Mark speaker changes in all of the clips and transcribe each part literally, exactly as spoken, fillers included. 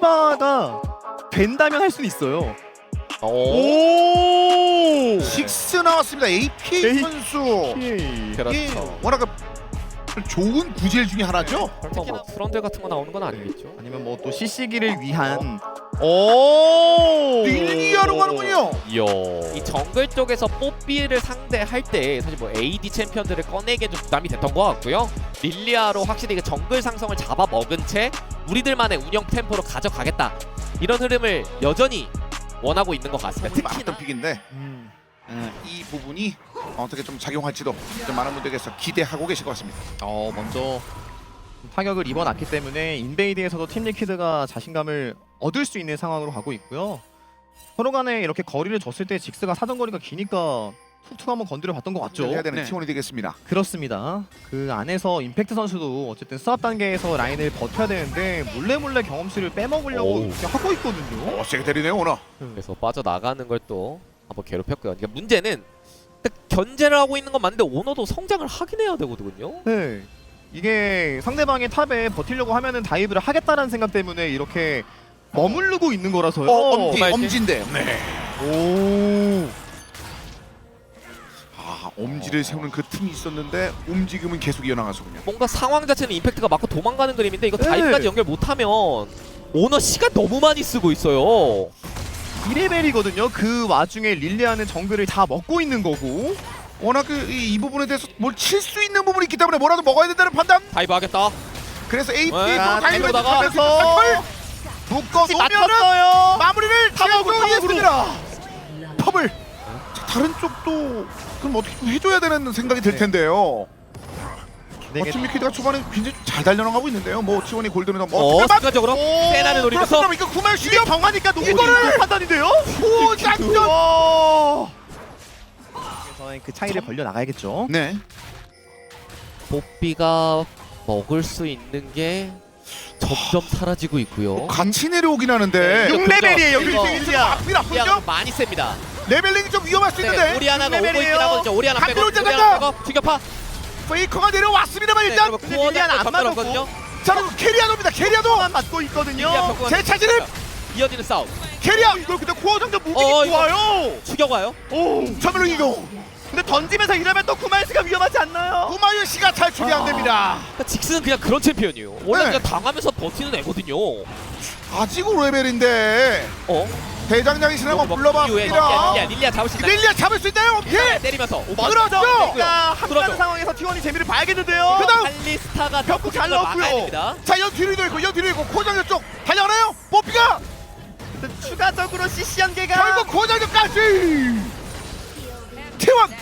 Speaker 1: 해봐가 된다면 할 수는 있어요.
Speaker 2: 오.
Speaker 1: 오!
Speaker 3: 식스 나왔습니다. 에이피에이
Speaker 1: 에이-
Speaker 3: 선수.
Speaker 1: 오케이.
Speaker 2: 그렇죠.
Speaker 3: 예, 워낙 좋은 구질 중에 하나죠.
Speaker 2: 설마 뭐 트런들 같은 거 나오는 건 아니겠죠?
Speaker 1: 아니면 뭐 또 씨씨기를 위한 오!
Speaker 3: 릴리아로 가는군요.
Speaker 2: 이야. 이 정글 쪽에서 뽀삐를 상대할 때 사실 뭐 에이디 챔피언들을 꺼내기엔 좀 부담이 됐던 것 같고요. 릴리아로 확실히 그 정글 상성을 잡아먹은 채 우리들만의 운영 템포로 가져가겠다. 이런 흐름을 여전히 원하고 있는 것 같습니다.
Speaker 3: 특히나
Speaker 2: 특히나
Speaker 3: 픽인데
Speaker 1: 음.
Speaker 3: 음, 이 부분이 어떻게 좀 작용할지도 좀 많은 분들께서 기대하고 계실 것 같습니다.
Speaker 1: 어 먼저 타격을 입어놨기 때문에 인베이드에서도 팀 리퀴드가 자신감을 얻을 수 있는 상황으로 가고 있고요. 서로 간에 이렇게 거리를 줬을 때 직스가 사정거리가 기니까 툭툭 한번 건드려 봤던 것 같죠.
Speaker 3: 해야 되는
Speaker 2: 네.
Speaker 3: 티원이 되겠습니다.
Speaker 1: 그렇습니다. 그 안에서 임팩트 선수도 어쨌든 스왑 단계에서 라인을 버텨야 되는데 몰래 몰래 경험치를 빼먹으려고
Speaker 2: 오우.
Speaker 1: 이렇게 하고 있거든요.
Speaker 3: 어, 세게 때리네요 오너.
Speaker 2: 그래서 빠져나가는 걸 또 한번 괴롭혔고요. 그러니까 문제는 견제를 하고 있는 건 맞는데 오너도 성장을 하긴 해야 되거든요.
Speaker 1: 네. 이게 상대방의 탑에 버티려고 하면은 다이브를 하겠다라는 생각 때문에 이렇게 머무르고 있는 거라서요.
Speaker 3: 어, 엄지,
Speaker 2: 말지?
Speaker 3: 엄지인데. 네.
Speaker 1: 오.
Speaker 3: 아, 엄지를 세우는 그 틈이 있었는데 움직임은 계속 이어나가서군요.
Speaker 2: 뭔가 상황 자체는 임팩트가 맞고 도망가는 그림인데 이거
Speaker 1: 네.
Speaker 2: 다이브까지 연결 못하면 오너 시간 너무 많이 쓰고 있어요.
Speaker 1: 이 레벨이거든요. 그 와중에 릴리아는 정글을 다 먹고 있는 거고.
Speaker 3: 워낙 그, 이, 이 부분에 대해서 뭘 칠 수 있는 부분이 있기 때문에 뭐라도 먹어야 된다는 판단.
Speaker 2: 다이브 하겠다.
Speaker 3: 그래서
Speaker 2: 네.
Speaker 3: 에이피에이
Speaker 2: 자,
Speaker 3: 다이브를
Speaker 2: 다이브다가
Speaker 3: 하면서 묶어 놓으면은
Speaker 1: 맞췄어요.
Speaker 3: 마무리를
Speaker 1: 탑으로,
Speaker 3: 지어주겠습니다. 탑을. 자, 다른 쪽도 그럼 어떻게 좀 해줘야 되는 생각이 들
Speaker 1: 네.
Speaker 3: 텐데요.
Speaker 1: 네,
Speaker 3: 어, 팀 리퀴드가 초반에 굉장히 좀잘 달려나가고 있는데요. 뭐 지원이 골드는 뭐
Speaker 2: 어,
Speaker 3: 어떻게
Speaker 2: 순간적으로 세나를 노리면서
Speaker 3: 그럼 이거 구말
Speaker 1: 이게
Speaker 3: 시력
Speaker 1: 정하니까 너무
Speaker 3: 이거를!
Speaker 1: 이거를 판단인데요.
Speaker 3: 오 작전.
Speaker 1: 와. 그래서 그 차이를 벌려 나가야겠죠.
Speaker 3: 네.
Speaker 2: 뽀삐가 먹을 수 있는 게 점점 사라지고 있고요.
Speaker 3: 같이 내려오긴 하는데
Speaker 2: 네.
Speaker 1: 육 레벨이에요.
Speaker 2: 이거.
Speaker 1: 릴리아.
Speaker 3: 앞이 나쁘죠?
Speaker 2: 많이 셉니다.
Speaker 3: 레벨링이 좀 위험할 수 있는데
Speaker 2: 네, 오리아나가 오고
Speaker 1: 레벨이에요.
Speaker 2: 있긴 하거든요. 오리아나 빼고
Speaker 3: 한비로
Speaker 2: 오리아나
Speaker 3: 짜장면!
Speaker 2: 빼고 튀겨파.
Speaker 3: 페이커가 내려왔습니다만
Speaker 2: 네,
Speaker 3: 일단
Speaker 2: 그리고 구원을
Speaker 1: 릴리아는 안
Speaker 2: 건드렸거든요.
Speaker 3: 자 그럼 캐리아도입니다. 캐리아도
Speaker 1: 만 맞고 있거든요.
Speaker 2: 릴리아 벽구가
Speaker 3: 제 차지는
Speaker 2: 이어지는 싸움.
Speaker 3: 캐리아
Speaker 1: 이걸 근데 코어 장전 무빙이
Speaker 2: 어, 이거-
Speaker 1: 좋아요.
Speaker 2: 죽여가요.
Speaker 1: 오.
Speaker 3: 전멸로 이동.
Speaker 1: 근데 던지면서 이러면 또 구마이스가 위험하지 않나요?
Speaker 3: 구마유 씨가 탈출이 안 됩니다.
Speaker 2: 그러니까 직스는 그냥 그런 챔피언이에요. 원래
Speaker 3: 네.
Speaker 2: 그냥 당하면서 버티는 애거든요.
Speaker 3: 아직은 레벨인데
Speaker 2: 어?
Speaker 3: 대장장이신 한번
Speaker 2: 이후에 릴리아,
Speaker 3: 불러봤습니다.
Speaker 2: 릴리아, 릴리아 잡을 수 있나요?
Speaker 3: 릴리아 잡을 수 있나요? 예.
Speaker 2: 때리면서
Speaker 3: 그렇죠.
Speaker 1: 그러니까 함께하는
Speaker 2: 그러죠.
Speaker 1: 상황에서 티원이 재미를 봐야겠는데요.
Speaker 3: 그다음
Speaker 2: 칼리스타가
Speaker 1: 벽구 잘
Speaker 2: 벽구를
Speaker 1: 넣었고요.
Speaker 2: 막아야 됩니다.
Speaker 3: 자, 연 뒤로 있고 연 뒤로 있고 코장전 쪽 달려가나요? 뽀피가
Speaker 1: 근데 추가적으로 씨씨 연계가
Speaker 3: 결국 코장전까지. 태원.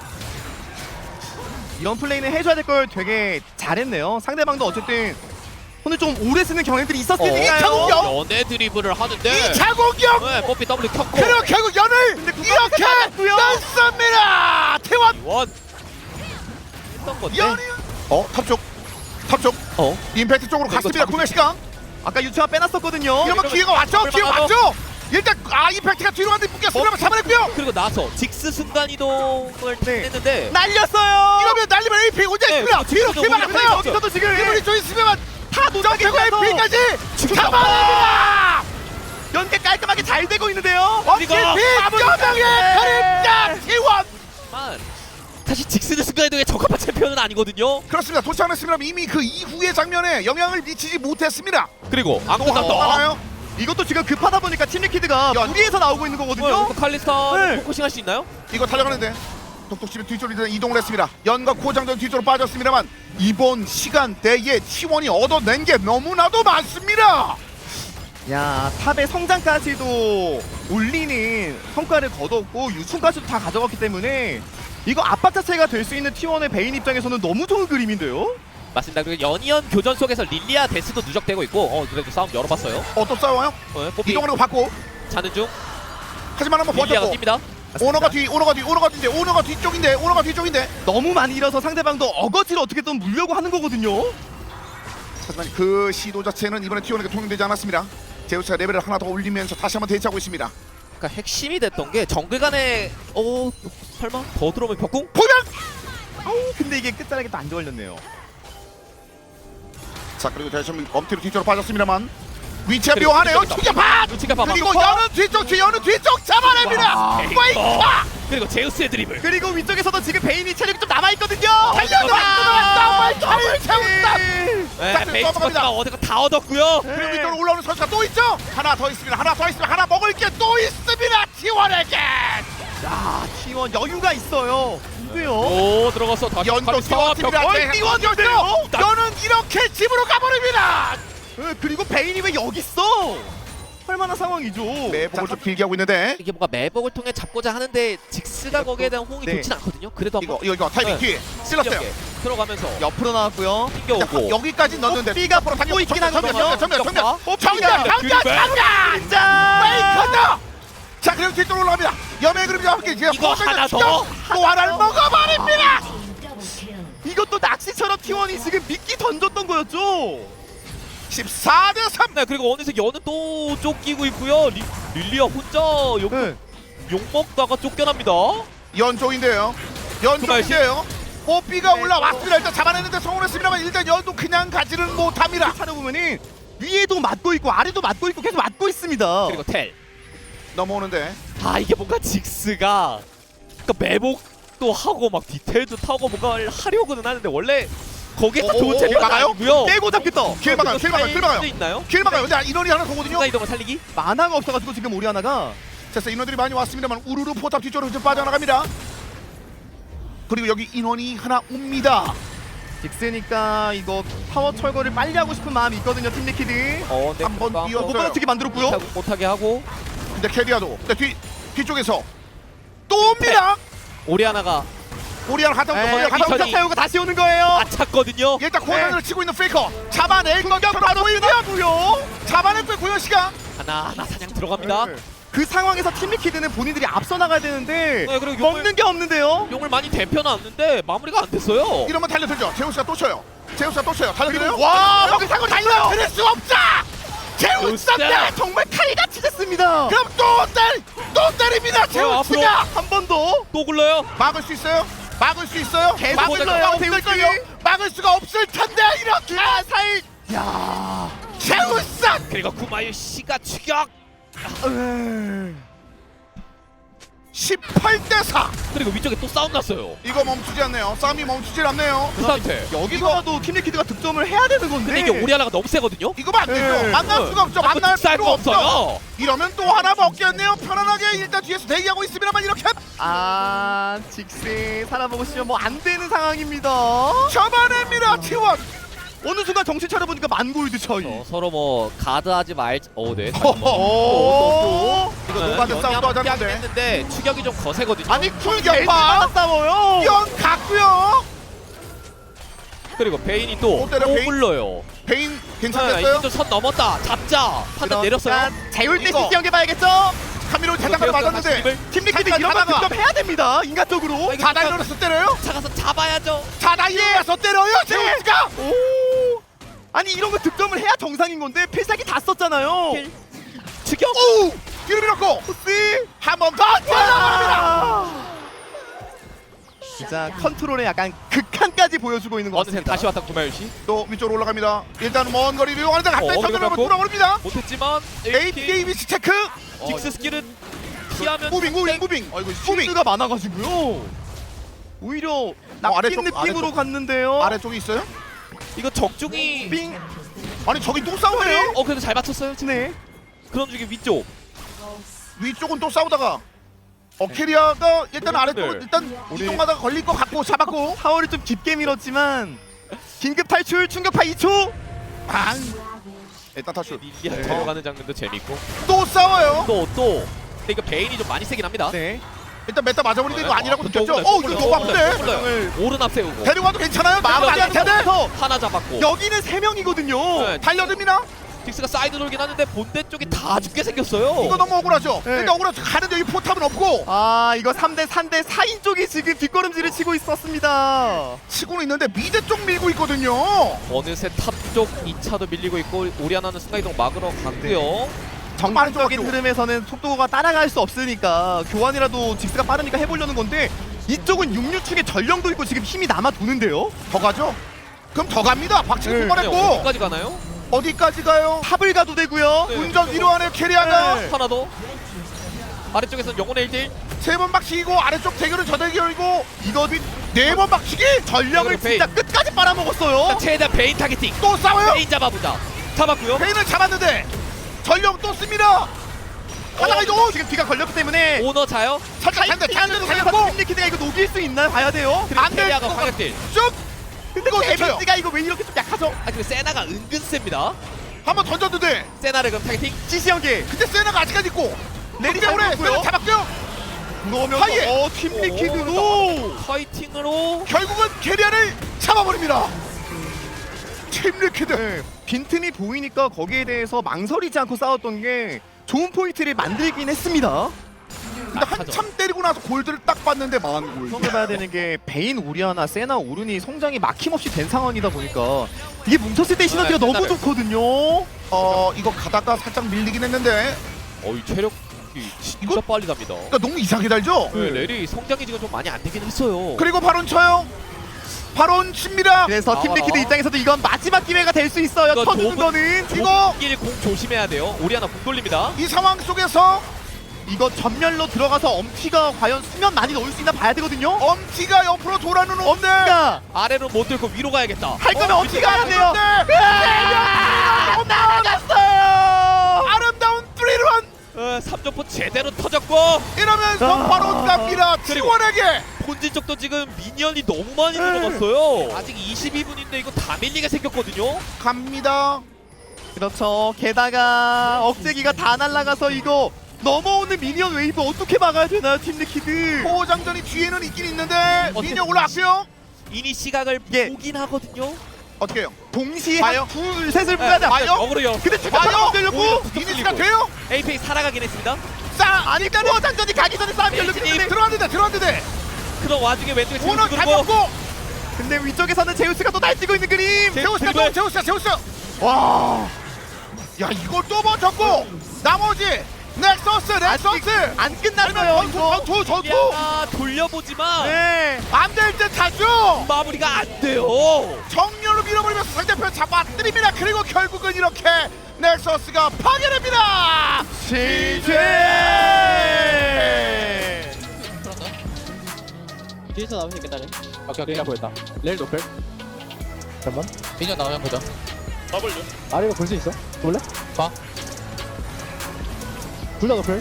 Speaker 1: 이런 플레이는 해줘야 될 걸 되게 잘했네요. 상대방도 어쨌든 오늘 좀 오래 쓰는 경향들이 있었으니까요.
Speaker 3: 자국경.
Speaker 2: 연애 드리블을 하는데
Speaker 3: 이 자공격.
Speaker 2: 네, 뽀삐 더블 켰고
Speaker 3: 그리고 결국 연을
Speaker 1: 근데 그거
Speaker 3: 이렇게
Speaker 1: 맞았고요.
Speaker 3: 넣습니다. 태원.
Speaker 2: 원 했던 건데
Speaker 3: 연이. 어, 탑쪽. 탑쪽.
Speaker 2: 어?
Speaker 3: 임팩트 쪽으로
Speaker 2: 이거
Speaker 3: 갔습니다.
Speaker 2: 잡을
Speaker 3: 구매 시간.
Speaker 1: 아까 유추가 빼놨었거든요.
Speaker 3: 이러면
Speaker 2: 이러면
Speaker 3: 기회가 왔죠.
Speaker 2: 잡을
Speaker 3: 기회가
Speaker 2: 만하죠.
Speaker 3: 왔죠. 일단 아 임팩트가 뒤로 갔는데 묶였으면 잡아냈고요.
Speaker 2: 그리고 나서 직스 순간 이동을
Speaker 1: 네.
Speaker 2: 했는데
Speaker 1: 날렸어요.
Speaker 3: 이러면 날리면 에이피 혼자
Speaker 2: 네,
Speaker 3: 있습니다.
Speaker 2: 그렇죠.
Speaker 3: 뒤로
Speaker 2: 그래서
Speaker 3: 기회
Speaker 2: 우리가
Speaker 3: 막았어요.
Speaker 1: 여기서도 지금
Speaker 3: 기분이 좀 있으면
Speaker 1: 다
Speaker 3: 점프고
Speaker 1: 놓치고
Speaker 3: 에이피까지
Speaker 2: 죽여.
Speaker 3: 잡아냅니다.
Speaker 1: 연계 깔끔하게 잘 되고 있는데요.
Speaker 3: 어차피
Speaker 2: 그리고
Speaker 3: 뼈명의 그림자 티원.
Speaker 2: 사실 직스는 순간 이동에 적합한 챔피언은 아니거든요.
Speaker 3: 그렇습니다. 도착했습니다. 이미 그 이후의 장면에 영향을 미치지 못했습니다.
Speaker 2: 그리고 안
Speaker 3: 어,
Speaker 2: 끝났다.
Speaker 3: 하나요?
Speaker 1: 이것도 지금 급하다 보니까 팀 리퀴드가
Speaker 3: 연-
Speaker 1: 무리해서 나오고 있는 거거든요.
Speaker 2: 어, 칼리스타
Speaker 1: 네.
Speaker 2: 포커싱 할 수 있나요?
Speaker 3: 이거 달려가는데 독독집이 뒤쪽으로 이동을 했습니다. 연과 코장전 뒤쪽으로 빠졌습니다만 이번 시간대에 티원이 얻어낸 게 너무나도 많습니다.
Speaker 1: 야, 탑의 성장까지도 올리는 성과를 거뒀고 유충까지도 다 가져갔기 때문에 이거 압박 자체가 될 수 있는 티원의 베인 입장에서는 너무 좋은 그림인데요.
Speaker 2: 맞습니다. 그리고 연이언 교전 속에서 릴리아 데스도 누적되고 있고 어 그래도 싸움 열어봤어요.
Speaker 3: 어, 또 싸워요?
Speaker 2: 어, 뽀삐
Speaker 3: 이동하는 거 받고
Speaker 2: 자는 중
Speaker 3: 하지만 한번
Speaker 2: 릴리아가
Speaker 3: 버텼고
Speaker 2: 뜁니다.
Speaker 3: 오너가 뒤, 오너가 뒤, 오너가 뒤인데 오너가 뒤쪽인데 오너가 뒤쪽인데
Speaker 1: 너무 많이 잃어서 상대방도 어거지로 어떻게든 물려고 하는 거거든요.
Speaker 3: 하지만 그 시도 자체는 이번에 티원에게 통용되지 않았습니다. 제우스가 레벨을 하나 더 올리면서 다시 한번 대치하고 있습니다.
Speaker 2: 그러니까 핵심이 됐던 게 정글 간에 어 설마 더 들어오면 벽궁?
Speaker 3: 보면
Speaker 1: 아우, 근데 이게 끝자락에 또 안 좋아졌네요.
Speaker 3: 자 그리고 다시 한번 엄티로 뒤쪽으로 빠졌습니다만 위치가
Speaker 2: 그리고
Speaker 3: 묘하네요.
Speaker 2: 뒤쪽에서.
Speaker 3: 충격파.
Speaker 2: 위치가 봐봐.
Speaker 3: 그리고 여는 뒤쪽, 뒤 여는 뒤쪽 잡아냅니다. 페이커.
Speaker 2: 그리고 제우스의 드리블.
Speaker 1: 그리고 위쪽에서도 지금 베인이 체력이 좀 남아 있거든요.
Speaker 3: 달려들어 왔다. 정말 채운다.
Speaker 2: 네,
Speaker 3: 자,
Speaker 2: 베이스
Speaker 3: 넘어갑니다.
Speaker 2: 버스가 어디가 다 얻었고요.
Speaker 3: 그리고 위쪽으로 올라오는 선수가 또 있죠. 하나 더 있습니다. 하나 더 있습니다. 하나 먹을 게 또 있습니다. 티원에게.
Speaker 1: 자, 티원 여유가 있어요. 근데요.
Speaker 2: 오 들어갔어. 다시
Speaker 3: 연도
Speaker 2: 관리와
Speaker 3: 터집니다.
Speaker 2: 벽-
Speaker 3: 티원이었죠. 여는 이렇게 집으로 가버립니다.
Speaker 1: 네, 그리고 베인이 왜 여기 있어? 할만한 상황이죠.
Speaker 3: 매복을 좀 길게 하고 있는데
Speaker 2: 이게 뭔가 매복을 통해 잡고자 하는데 직스가 거기에 대한 호응이
Speaker 1: 네.
Speaker 2: 좋진 않거든요. 그래도
Speaker 3: 이거
Speaker 2: 한번
Speaker 3: 이거 이거 타이밍
Speaker 2: 네.
Speaker 3: 뒤에 찔렀어요.
Speaker 2: 신기하게 들어가면서
Speaker 1: 옆으로 나왔고요.
Speaker 2: 튕겨오고
Speaker 3: 여기까지 넣었는데
Speaker 1: 삐가 또 있긴 하거든요.
Speaker 3: 정면 정면 정면
Speaker 1: 어,
Speaker 3: 정면
Speaker 1: 삐가.
Speaker 3: 정면 정면
Speaker 1: 자,
Speaker 3: 페이커다. 자 그리고 뒤쪽으로 올라갑니다. 염의 그림자 함께 이제
Speaker 2: 이거 하나 더?
Speaker 3: 또 하나를 먹어버립니다.
Speaker 1: 이것도 낚시처럼 티원이 지금 미끼 던졌던 거였죠.
Speaker 3: 십사 대 삼.
Speaker 2: 네 그리고 어느새 연은 또 쫓기고 있고요. 리, 릴리아 혼자 욕,
Speaker 1: 네.
Speaker 2: 욕 먹다가 쫓겨납니다.
Speaker 3: 연쪽인데요. 연쪽인데요. 뽀삐가 올라왔습니다. 일단 잡아내는데 성공했습니다만 일단 연도 그냥 가지는 못합니다.
Speaker 1: 찾아보면은 위에도 맞고 있고 아래도 맞고 있고 계속 맞고 있습니다.
Speaker 2: 그리고 텔.
Speaker 3: 넘어오는데
Speaker 2: 아 이게 뭔가 직스가 그러니까 매복도 하고 막 디테일도 타고 뭔가를 하려고는 하는데 원래 거기에 딱
Speaker 3: 오,
Speaker 2: 좋은
Speaker 3: 오,
Speaker 2: 재미가
Speaker 3: 막아요?
Speaker 2: 아니고요.
Speaker 1: 떼고 잡겠다.
Speaker 3: 길 막아요. 길 막아요. 길 막아요.
Speaker 2: 있나요?
Speaker 3: 길 막아요. 근데 인원이 하나 더거든요.
Speaker 2: 순간 이동을 살리기?
Speaker 1: 만화가 없어가지고 지금 우리 하나가
Speaker 3: 그래서 인원들이 많이 왔습니다만 우르르 포탑 뒤쪽으로 좀 빠져나갑니다. 그리고 여기 인원이 하나 옵니다.
Speaker 1: 직스니까 이거 파워 철거를 빨리 하고 싶은 마음이 있거든요. 팀 리퀴드.
Speaker 2: 어, 네,
Speaker 3: 한번
Speaker 2: 뭔가
Speaker 3: 뛰어-
Speaker 1: 못 받아치게 만들었고요.
Speaker 2: 못하게, 못하게 하고
Speaker 3: 근데 캐리아도 근데 뒤 뒤쪽에서 또 옵니다.
Speaker 2: 오리아나가
Speaker 3: 오리안 하다
Speaker 1: 에이,
Speaker 3: 거기
Speaker 1: 가서
Speaker 3: 가다
Speaker 1: 차 태우고 다시 오는 거예요.
Speaker 2: 아 찼거든요.
Speaker 3: 일단 고난을 치고 있는 페이커 잡아낼 것처럼 보이고요. 잡아냈고요 고현 씨가.
Speaker 2: 하나 하나 사냥 들어갑니다.
Speaker 1: 그 상황에서 팀 리퀴드는 본인들이 앞서 나가야 되는데
Speaker 2: 네, 그리고
Speaker 1: 먹는
Speaker 2: 용을,
Speaker 1: 게 없는데요.
Speaker 2: 용을 많이 대펴놨는데 마무리가 안 됐어요.
Speaker 3: 이러면 달려들죠. 제우스가 또 쳐요. 제우스가 또 쳐요. 달려들어요.
Speaker 1: 그리고 와,
Speaker 3: 여기 사고 달려. 그럴 수 없다. 제우스
Speaker 2: 제우스!
Speaker 3: 때
Speaker 1: 정말 칼같이 됐습니다.
Speaker 3: 그럼 또때또 때립니다. 제우스가
Speaker 1: 한 번 더.
Speaker 2: 또 굴러요.
Speaker 3: 막을 수 있어요? 막을 수 있어요?
Speaker 1: 계속
Speaker 3: 막을
Speaker 1: 굴러요,
Speaker 3: 수가 없을
Speaker 1: 제우스.
Speaker 3: 거요. 막을 수가 없을 텐데 이렇게 살.
Speaker 1: 야.
Speaker 3: 제우스.
Speaker 2: 그리고 구마유 씨가 추격.
Speaker 3: 십팔 대 사.
Speaker 2: 그리고 위쪽에 또 싸움 났어요.
Speaker 3: 이거 멈추지 않네요. 싸움이 멈추질 않네요.
Speaker 2: 그 상태.
Speaker 1: 여기서라도 팀 리퀴드가 득점을 해야 되는 건데.
Speaker 2: 근데 이게 오리아나가 너무 세거든요.
Speaker 3: 이거만 안 되죠.
Speaker 1: 네.
Speaker 3: 만날 수가 없죠. 만날
Speaker 2: 쌀
Speaker 3: 필요
Speaker 2: 거
Speaker 3: 없죠.
Speaker 2: 없어요.
Speaker 3: 이러면 또 하나 먹겠네요. 편안하게 일단 뒤에서 대기하고 있습니다만 이렇게
Speaker 1: 아, 직스 살아보고 싶으면 뭐 안 되는 상황입니다.
Speaker 3: 잡아냅니다. 티원.
Speaker 1: 어느 순간 정신 차려보니까 만 골드 차이.
Speaker 2: 어, 서로 뭐 가드하지 말. 어, 네.
Speaker 3: 오. 이거
Speaker 2: 네,
Speaker 3: 노가드 싸움도 하자는데.
Speaker 2: 했는데 추격이 좀 거세거든요.
Speaker 3: 아니
Speaker 1: 쿨격파
Speaker 3: 쿨격파.
Speaker 1: 싸워요.
Speaker 3: 연 갔고요.
Speaker 2: 그리고 베인이 또
Speaker 3: 또 때려,
Speaker 2: 또
Speaker 3: 베인?
Speaker 2: 굴러요.
Speaker 3: 베인
Speaker 2: 네,
Speaker 3: 괜찮겠어요?
Speaker 2: 이제 선 넘었다. 잡자. 판단 내렸어요.
Speaker 1: 재울 때
Speaker 3: 이거.
Speaker 1: 시티 연계봐야겠죠.
Speaker 3: 카미로 자장가로 맞았는데
Speaker 1: 팀 리퀴드
Speaker 3: 잠깐
Speaker 1: 이런 거
Speaker 3: 가다가.
Speaker 1: 득점 해야 됩니다. 인간적으로.
Speaker 2: 이거
Speaker 3: 자다
Speaker 2: 진짜-
Speaker 3: 일어나서 때려요?
Speaker 2: 차가서 잡아야죠.
Speaker 3: 자다 일어나서 때려요. 제우스가.
Speaker 1: 오. 아니 이런 거 득점을 해야 정상인 건데 필살기 다 썼잖아요.
Speaker 2: 킬. 추격.
Speaker 3: 오. 뒤로 밀었고
Speaker 1: 혹시
Speaker 3: 한 번 더 들어갑니다.
Speaker 1: 진짜 컨트롤에 약간 극한까지 보여주고 있는 것
Speaker 2: 어느새
Speaker 1: 같습니다.
Speaker 2: 다시 왔다 구마유 씨.
Speaker 3: 또 위쪽으로 올라갑니다. 일단 먼 거리를 이용하는데 갑자기
Speaker 2: 어,
Speaker 3: 선으로
Speaker 2: 그래갖고?
Speaker 3: 돌아버립니다.
Speaker 2: 못했지만
Speaker 3: 에이피에이비씨 체크.
Speaker 2: 어, 직스 스킬은 피하면
Speaker 3: 무빙 무빙 무빙. 어이구 무빙.
Speaker 1: 슈트가 많아가지고요. 오히려
Speaker 3: 어,
Speaker 1: 낚인
Speaker 3: 아래쪽,
Speaker 1: 느낌으로
Speaker 3: 아래쪽.
Speaker 1: 갔는데요.
Speaker 3: 아래쪽에 있어요?
Speaker 2: 이거 적중이
Speaker 1: 빙.
Speaker 3: 아니 저기 또 싸우네요.
Speaker 2: 어 그래도 잘 맞췄어요.
Speaker 1: 네.
Speaker 2: 그런 중에 위쪽.
Speaker 3: 위쪽은 또 싸우다가 어 캐리아가 일단
Speaker 2: 네.
Speaker 3: 아래쪽은 일단
Speaker 1: 우리-
Speaker 3: 이동하다가 걸릴 것 같고 잡았고
Speaker 1: 파워를 좀 깊게 밀었지만 긴급 탈출 충격파 이 초.
Speaker 3: 방 일단 탈출.
Speaker 2: 릴리아 데려가는 장면도 재밌고.
Speaker 3: 또 싸워요.
Speaker 2: 또 또. 근데 이거 베인이 좀 많이 세긴 합니다.
Speaker 1: 네.
Speaker 3: 일단 메타 맞아버리는데 이거 아니라고
Speaker 2: 또
Speaker 3: 느꼈죠?
Speaker 2: 굴러요,
Speaker 3: 어
Speaker 2: 또
Speaker 3: 이거
Speaker 2: 굴러요,
Speaker 3: 너무
Speaker 2: 또 굴러요, 또
Speaker 3: 아픈데?
Speaker 2: 굴러요. 오른 앞세우고.
Speaker 3: 데려가도 괜찮아요? 마음 안 텐데?
Speaker 1: 여기서
Speaker 2: 하나 잡았고.
Speaker 1: 여기는 세 명이거든요.
Speaker 2: 네.
Speaker 3: 달려듭니다.
Speaker 2: 딕스가 사이드 돌긴 하는데 본대 쪽이 다 죽게 생겼어요.
Speaker 3: 이거 너무 억울하죠?
Speaker 1: 네.
Speaker 3: 일단 억울하죠. 가는데 여기 포탑은 없고
Speaker 1: 아 이거 삼 대 삼 대 사인 쪽이 지금 뒷걸음질을 치고 있었습니다.
Speaker 3: 치고는 있는데 미드 쪽 밀고 있거든요.
Speaker 2: 어느새 탑 쪽 이 차도 밀리고 있고 오리아나는 순간이동 막으러 갔고요.
Speaker 1: 정상적인 흐름에서는 속도가 따라갈 수 없으니까 교환이라도 직스가 빠르니까 해보려는 건데 이쪽은 육류축의 전령도 있고 지금 힘이 남아 도는데요.
Speaker 3: 더 가죠? 그럼 더 갑니다. 박치기
Speaker 1: 네.
Speaker 2: 근데
Speaker 3: 뽑아냈고
Speaker 2: 어디까지 가나요?
Speaker 3: 어디까지 가요?
Speaker 1: 탑을 가도 되고요.
Speaker 2: 네.
Speaker 3: 운전 위로 하네요 캐리아가.
Speaker 1: 네.
Speaker 2: 하나 더. 아래쪽에서는 영혼의 일 대 일.
Speaker 3: 세 번 박치기고 아래쪽 대결은 저 대결이고 이거 네 번 박치기.
Speaker 1: 전력을
Speaker 2: 베인.
Speaker 1: 진짜 끝까지 빨아먹었어요.
Speaker 2: 최대한 베인 타겟팅.
Speaker 3: 또 싸워요.
Speaker 2: 베인 잡아보자. 잡았고요.
Speaker 3: 베인을 잡았는데 전력 또 씁니다. 하다가 이거
Speaker 1: 지금 뒤가 걸렸기 때문에
Speaker 2: 오너 자요.
Speaker 3: 살짝 한대 한대
Speaker 1: 달렸고
Speaker 3: 달렸고
Speaker 1: 팀리키드가 이거 녹일 수 있나요? 봐야 돼요.
Speaker 2: 그리고
Speaker 3: 안 돼.
Speaker 2: 캐리아가 광역딜.
Speaker 3: 쭉
Speaker 1: 근데
Speaker 3: 이거
Speaker 1: 데미지가 이거 왜 이렇게 좀 약하죠?
Speaker 2: 아 그리고 세나가 은근 셉니다.
Speaker 3: 한번 던졌는데
Speaker 2: 세나를 그럼 타겟팅.
Speaker 1: 지시 연계.
Speaker 3: 그때 세나가 아직까지 있고
Speaker 1: 레디
Speaker 3: 때문에
Speaker 1: 잘
Speaker 3: 세나
Speaker 1: 먹고요.
Speaker 3: 잡았고요.
Speaker 1: 그러면서
Speaker 3: 하이에.
Speaker 1: 어 팀리키드도
Speaker 2: 파이팅으로.
Speaker 3: 결국은 캐리아를 잡아버립니다. 팀리키드.
Speaker 1: 네, 빈틈이 보이니까 거기에 대해서 망설이지 않고 싸웠던 게 좋은 포인트를 만들긴 했습니다.
Speaker 3: 근데 한참 때리고 나서 골드를 딱 봤는데 망한 골.
Speaker 1: 생각해봐야 되는 게 베인, 우리아나, 세나, 오른이 성장이 막힘없이 된 상황이다 보니까 이게 뭉쳤을 때 시너지가
Speaker 2: 네,
Speaker 1: 너무
Speaker 2: 세나를.
Speaker 1: 좋거든요.
Speaker 3: 어 이거 가다가 살짝 밀리긴 했는데
Speaker 2: 어이 체력 진짜
Speaker 3: 이거-
Speaker 2: 빨리 갑니다.
Speaker 3: 그러니까 너무 이상하게 달죠.
Speaker 2: 네, 렐이 성장이 지금 좀 많이 안 되긴 했어요.
Speaker 3: 그리고 바론 쳐요. 바론 칩니다.
Speaker 1: 그래서
Speaker 2: 아,
Speaker 1: 팀리키드
Speaker 2: 아.
Speaker 1: 입장에서도 이건 마지막 기회가 될 수 있어요.
Speaker 2: 이거
Speaker 1: 터주는
Speaker 2: 좁은-
Speaker 1: 거는
Speaker 3: 이거
Speaker 2: 공 조심해야 돼요. 오리아나 공 돌립니다.
Speaker 3: 이 상황 속에서
Speaker 1: 이거 전멸로 들어가서 엄티가 과연 수면 많이 넣을 수 있나 봐야 되거든요.
Speaker 3: 엄티가 옆으로 돌아는 온데
Speaker 1: 엄티가
Speaker 2: 아래로 못 들고 위로 가야겠다.
Speaker 1: 할 거면 엄티가 해야 돼요.
Speaker 3: 아,
Speaker 1: 나갔어요.
Speaker 3: 아름다운 쓰리런
Speaker 2: 어, 삼 점포 제대로 터졌고
Speaker 3: 이러면서
Speaker 1: 아.
Speaker 3: 바론 갑니다.
Speaker 2: 그리고-
Speaker 3: 티원에게
Speaker 2: 본진 쪽도 지금 미니언이 너무 많이 들어갔어요. 아직 이십이 분인데 이거 다 밀리게 생겼거든요.
Speaker 3: 갑니다.
Speaker 1: 그렇죠. 게다가 억제기가 다 날아가서 이거 넘어오는 미니언 웨이브 어떻게 막아야 되나요, 팀리키드?
Speaker 3: 포장전이 뒤에는 있긴 있는데
Speaker 2: 어떻게-
Speaker 3: 미녀 올라왔어요.
Speaker 2: 이니 시각을
Speaker 1: 예.
Speaker 2: 보긴 하거든요.
Speaker 3: 어떻게 해요?
Speaker 1: 동시에
Speaker 3: 봐요?
Speaker 1: 한 둘, 셋을 불러야 돼.
Speaker 3: 봐요?
Speaker 2: 역으로 열.
Speaker 1: 근데
Speaker 3: 봐요?
Speaker 1: 잠깐만 되려고.
Speaker 2: 오히려
Speaker 3: 이니스가 돼요?
Speaker 2: 에이페이 살아가긴 했습니다.
Speaker 3: 싸
Speaker 1: 아니 일단은 장전이 가기 전에 싸움이 열렸기 때문에.
Speaker 3: 들어왔는데 들어왔는데
Speaker 2: 그런 와중에 왼쪽에 제우스
Speaker 3: 오너
Speaker 2: 그리고
Speaker 3: 잡혔고
Speaker 1: 근데 위쪽에서는 제우스가 또 날뛰고 있는 그림.
Speaker 2: 제-
Speaker 3: 제우스가
Speaker 2: 드리블.
Speaker 3: 또 제우스가 제우스. 와. 야 이걸 또 버텼고 나머지 넥서스 넥서스
Speaker 1: 안 끝났어요.
Speaker 3: 전투
Speaker 1: 이거.
Speaker 3: 전투 전투
Speaker 2: 야 돌려보지만
Speaker 1: 네.
Speaker 3: 안될 듯 하죠.
Speaker 2: 마무리가 안 돼요.
Speaker 3: 정렬로 밀어버리면서 상대편 잡아뜨립니다. 그리고 결국은 이렇게 넥서스가 파괴됩니다.
Speaker 1: 시제.
Speaker 4: 뒤에서 나오면 되겠다. 네.
Speaker 5: 오케이 오케이 보였다. 레일 노플. 잠깐만.
Speaker 4: 미니언 나오면 보자.
Speaker 5: 아래가 볼 수 있어? 볼래?
Speaker 4: 봐.
Speaker 5: 둘 다 노플.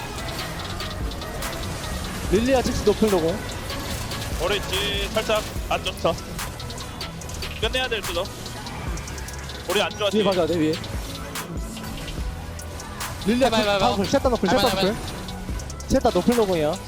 Speaker 5: 릴리아 직스 노플 로고.
Speaker 6: 오렌지 살짝 안 좋다. 끝내야 될 수도. 우리 안 좋아.
Speaker 5: 위에 봐줘야 돼 위에. 릴리아
Speaker 4: 해봐, 해봐, 해봐.
Speaker 5: 노플. 셋다 노플. 셋다
Speaker 4: 해봐, 해봐.
Speaker 5: 노플. 셋다 노플 로고야.